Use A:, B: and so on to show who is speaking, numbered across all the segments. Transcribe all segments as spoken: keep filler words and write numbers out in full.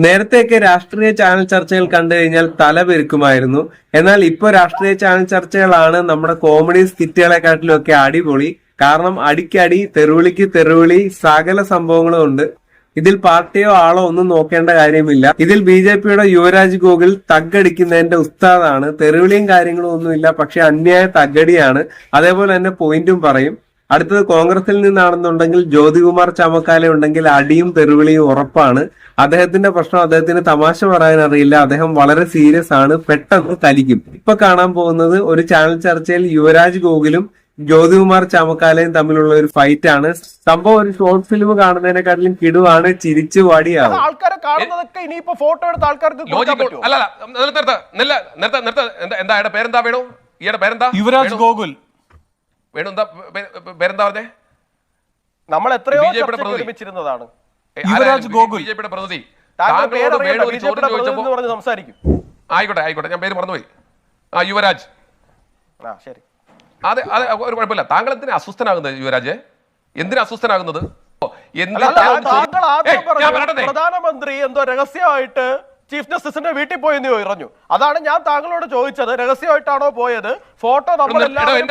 A: നേരത്തെയൊക്കെ രാഷ്ട്രീയ ചാനൽ ചർച്ചകൾ കണ്ടു കഴിഞ്ഞാൽ തല പെരുക്കുമായിരുന്നു. എന്നാൽ ഇപ്പൊ രാഷ്ട്രീയ ചാനൽ ചർച്ചകളാണ് നമ്മുടെ കോമഡി സ്കിറ്റുകളെക്കാട്ടിലും ഒക്കെ അടിപൊളി. കാരണം അടിക്കടി, തെറുവിളിക്ക് തെറുവിളി, സകല സംഭവങ്ങളും ഉണ്ട്. ഇതിൽ പാർട്ടിയോ ആളോ ഒന്നും നോക്കേണ്ട കാര്യമില്ല. ഇതിൽ ബി ജെ പിയുടെ യുവരാജ് ഗോകുൽ തഗ്ഗടിക്കുന്നതിന്റെ ഉസ്താദാണ്. തെറുവിളിയും കാര്യങ്ങളും ഒന്നുമില്ല, പക്ഷെ അന്യായ തഗ്ഗടിയാണ്. അതേപോലെ തന്നെ പോയിന്റും പറയും. അടുത്തത് കോൺഗ്രസിൽ നിന്നാണെന്നുണ്ടെങ്കിൽ ജ്യോതികുമാർ ചാമക്കാല ഉണ്ടെങ്കിൽ അടിയും തെറുവിളിയും ഉറപ്പാണ്. അദ്ദേഹത്തിന്റെ പ്രശ്നം അദ്ദേഹത്തിന് തമാശ പറയാൻ അറിയില്ല. അദ്ദേഹം വളരെ സീരിയസ് ആണ്, പെട്ടെന്ന് കലിക്കും. ഇപ്പൊ കാണാൻ പോകുന്നത് ഒരു ചാനൽ ചർച്ചയിൽ യുവരാജ് ഗോകുലും ജ്യോതികുമാർ ചാമക്കാലയും തമ്മിലുള്ള ഒരു ഫൈറ്റ് ആണ്. സംഭവം ഒരു ഷോർട്ട് ഫിലിം കാണുന്നതിനെക്കാട്ടിലും കിടുവാണ്, ചിരിച്ചു വടിയാവും.
B: ആൾക്കാരെ കാണുന്നതൊക്കെ ഇനിയിപ്പോ ഫോട്ടോ എടുത്ത ആൾക്കാർക്ക്
C: എന്താ പേരെന്താ വേണു? ഈയുടെ പേരെന്താ?
D: യുവരാജ് ഗോകുൽ.
C: വേണു എന്താ പേരെന്താ പറഞ്ഞേ?
B: നമ്മൾ എത്രയോ ഒരുമിച്ചിരുന്നതാണ്.
D: യുവരാജ് ഗോകുൽ
C: ബി ജെ പിയുടെ പ്രതിനിധി.
B: സംസാരിക്കും.
C: ആയിക്കോട്ടെ ആയിക്കോട്ടെ, ഞാൻ പേര് മറന്നുപോയി. ആ യുവരാജ്.
B: ആ ശരി,
C: അതെ അതെ, ഒരു കുഴപ്പമില്ല. താങ്കൾ എന്തിനാ അസ്വസ്ഥനാകുന്നത് യുവരാജ്? എന്തിനാ അസ്വസ്ഥനാകുന്നത്?
B: പ്രധാനമന്ത്രി എന്തോ രഹസ്യമായിട്ട് ചീഫ് ജസ്റ്റിസിന്റെ വീട്ടിൽ പോയെന്ന് പറഞ്ഞു. അതാണ് ഞാൻ താങ്കളോട് ചോദിച്ചത്. രഹസ്യമായിട്ടാണോ പോയത്? ഫോട്ടോ
C: താങ്കൾ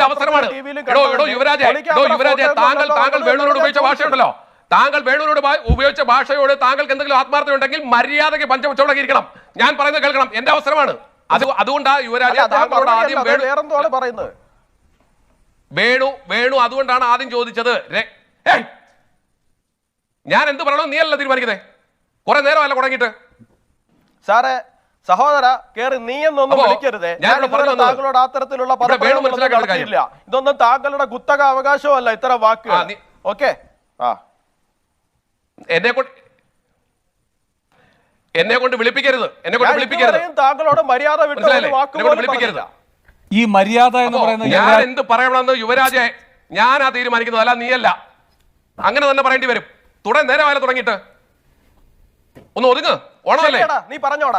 C: താങ്കൾ വേണുവിനോട് ഉപയോഗിച്ച ഭാഷയുണ്ടല്ലോ, താങ്കൾ വേണുവിനോട് ഉപയോഗിച്ച ഭാഷയോട് താങ്കൾക്ക് എന്തെങ്കിലും ആത്മാർത്ഥത ഉണ്ടെങ്കിൽ മര്യാദയ്ക്ക് പഞ്ചമുച്ചോടൊക്കെ ഇരിക്കണം. ഞാൻ പറയുന്നത് കേൾക്കണം. എന്റെ അവസരമാണ് അത്. അതുകൊണ്ടാ യുവരാജ് താങ്കളോട് ആദ്യം
B: വേറെന്തോടെ പറയുന്നത്.
C: വേണു വേണു അതുകൊണ്ടാണ് ആദ്യം ചോദിച്ചത്. ഞാൻ എന്ത് പറയണോ നീ അല്ല തീരുമാനിക്കുന്നത്. കുറെ നേരമല്ല തുടങ്ങിയിട്ട്.
B: സാറേ, സഹോദര കേറി നീ എന്നൊന്നും വിളിക്കരുതേ. താങ്കളോട് അത്തരത്തിലുള്ള പദപ്രയോഗമില്ല. ഇതൊന്നും താങ്കളുടെ കുത്തക അവകാശമല്ല ഇത്തരം വാക്കുകൾ. ഓക്കെ, ആ
C: എന്നെ കൊണ്ട് എന്നെ കൊണ്ട് വിളിപ്പിക്കരുത്. എന്നെ കൊണ്ട് വിളിപ്പിക്കരുത്.
B: താങ്കളോട് മര്യാദ
C: വിളിപ്പിക്കരുത്.
D: ഈ മര്യാദ എന്ന് പറയുന്നത്
C: ഞാൻ എന്ത് പറയണമെന്ന് യുവരാജെ ഞാനാ തീരുമാനിക്കുന്നത്, അല്ല നീയല്ല. അങ്ങനെ തന്നെ പറയേണ്ടി വരും. തുടങ്ങി നേരമായാലും തുടങ്ങിയിട്ട് ഒന്ന് ഒതുങ്ങ്. ഓണമല്ലേ?
B: നീ പറഞ്ഞോടാ.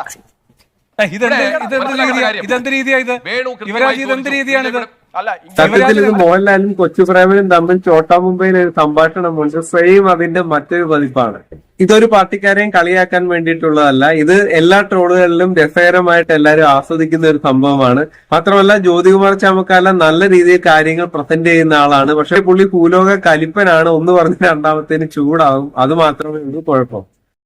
A: സത്യത്തിൽ ഇത് മോഹൻലാലും കൊച്ചുപ്രേമനും തമ്മിൽ ചോട്ടാ മുംബൈയിൽ ഒരു സംഭാഷണമുണ്ട്. സെയിം അതിന്റെ മറ്റൊരു പതിപ്പാണ്. ഇതൊരു പാർട്ടിക്കാരെയും കളിയാക്കാൻ വേണ്ടിയിട്ടുള്ളതല്ല. ഇത് എല്ലാ ട്രോളുകളിലും രസകരമായിട്ട് എല്ലാവരും ആസ്വദിക്കുന്ന ഒരു സംഭവമാണ്. മാത്രമല്ല ജ്യോതികുമാർ ചാമക്കാല നല്ല രീതിയിൽ കാര്യങ്ങൾ പ്രസന്റ് ചെയ്യുന്ന ആളാണ്. പക്ഷെ പുള്ളി ഭൂലോക കലിപ്പനാണ്. ഒന്ന് പറഞ്ഞ് രണ്ടാമത്തേന് ചൂടാവും. അത് മാത്രമേ ഉള്ളൂ കുഴപ്പം.